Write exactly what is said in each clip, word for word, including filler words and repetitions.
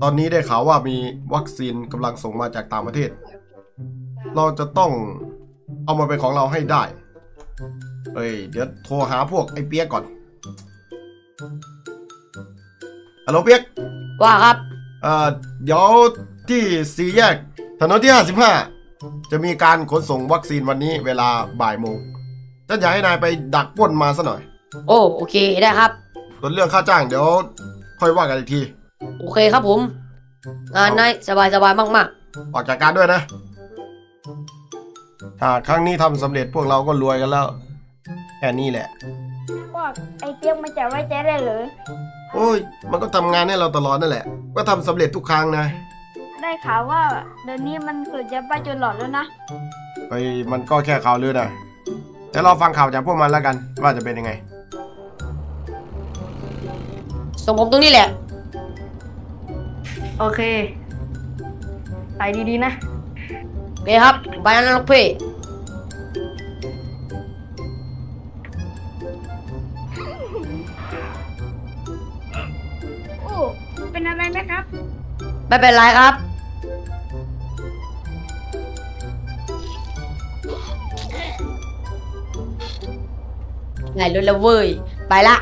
ตอนนี้ได้ข่าวว่ามีวัคซีนกำลังส่งมาจากต่างประเทศ เราจะต้องเอามาเป็นของเราให้ได้เอ้ยเดี๋ยวโทรหาพวกไอ้เปียกก่อนฮัลโหลเปียกว่าครับเอ่อเดี๋ยวที่สี่แยกถนนที่ห้าสิบห้าจะมีการขนส่งวัคซีนวันนี้เวลาบ่ายโมงฉันอยากให้นายไปดักปล้นมาซะหน่อยโอ้โอเคได้ครับส่วนเรื่องค่าจ้างเดี๋ยวค่อยว่ากันอีกทีโอเคครับผมงานนายสบายสบายมากๆออกจากการด้วยนะถ้าครั้งนี้ทำสำเร็จพวกเราก็รวยกันแล้วแค่นี้แหละว่าไอ้เปียกมันจะไว้ใจได้หรือโอ้ยมันก็ทำงานให้เราตลอดนั่นแหละก็ทำสำเร็จทุกครั้งนะได้ข่าวว่าเดี๋ยวนี้มันเกิดจะบ้าจนหลอดแล้วนะไปมันก็แค่ข่าวลือนะเดี๋ยวเราฟังข่าวจากพวกมันแล้วกันว่าจะเป็นยังไงส่งผมตรงนี้แหละโอเคไปดีๆนะโอเคครับไปนั้นลูกพี่โอ้เป็นอะไรไหมครับไม่เป็นไรครับไหนรถแล้วเว้ยไปละ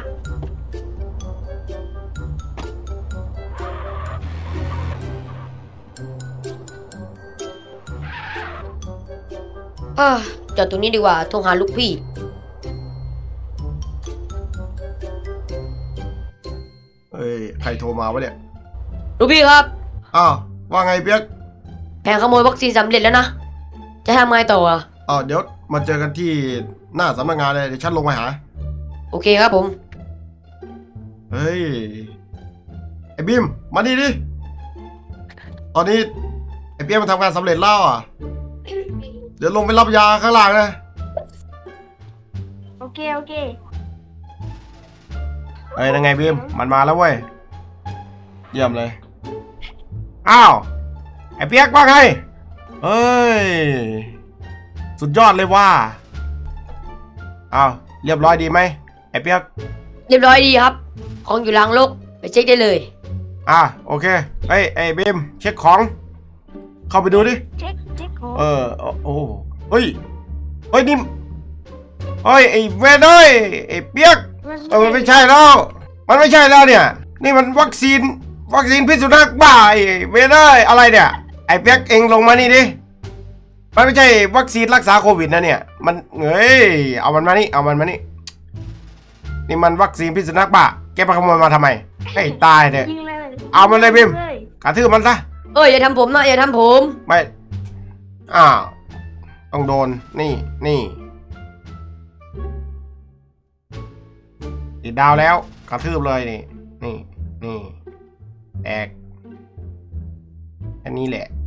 เออจอดตรงนี้ดีกว่าโทรหาลูกพี่เฮ้ยใครโทรมาวะเนี่ยลูกพี่ครับอ้าวว่าไงเปียกแผนขโมยวัคซีนสำเร็จแล้วนะจะทำไงต่ออ่ะอ๋อเดี๋ยวมาเจอกันที่หน้าสำนักงานเลยเดี๋ยวฉันลงไปหาโอเคครับผมเฮ้ยไอ้บิมมานี่ดิตอนนี้ไอ้เปียกมันทำงานสำเร็จแล้วอ่ะเดี๋ยวลงไปรับยาข้างล่างนะโอเคโอเคเฮ้ยยังไงบิมมันมาแล้วเว้ยเยี่ยมเลยอ้าวไอ้เปียกว่าไงเฮ้ยสุดยอดเลยว่าอ้าวเรียบร้อยดีไหมไอ้เปียกเรียบร้อยดีครับของอยู่หลังรถไปเช็คได้เลยอ่ะโอเคเฮ้ยไอ้บิมเช็คของเข้าไปดูดิเช็คเช็คของเออโอ้เฮ้ยเฮ้ยนี่เฮ้ยไอ้เวนเอ้ยไอ้เปียกเออมันไม่ใช่แล้วมันไม่ใช่แล้วเนี่ยนี่มันวัคซีนวัคซีนพิษสุนัขบ้าไอ้เวนเอ้ยอะไรเนี่ยไอ้เปียกเองลงมานี่ดิมันไม่ใช่วัคซีนรักษาโควิดนะเนี่ยมันเฮ้ยเอามันมานี่เอามันมานี่นี่มันวัคซีนพิษสุนัขบ้าแกไปขโมยมาทำไมให้ตายเนี่ยเอามันเลยบิมกระทืบมันซะเอ้ยอย่าทำผมนะอย่าทำผมไม่อ้าวต้องโดนนี่นี่ติดดาวแล้วกระทืบเลยนี่นี่นี่แอกอันนี้แหละ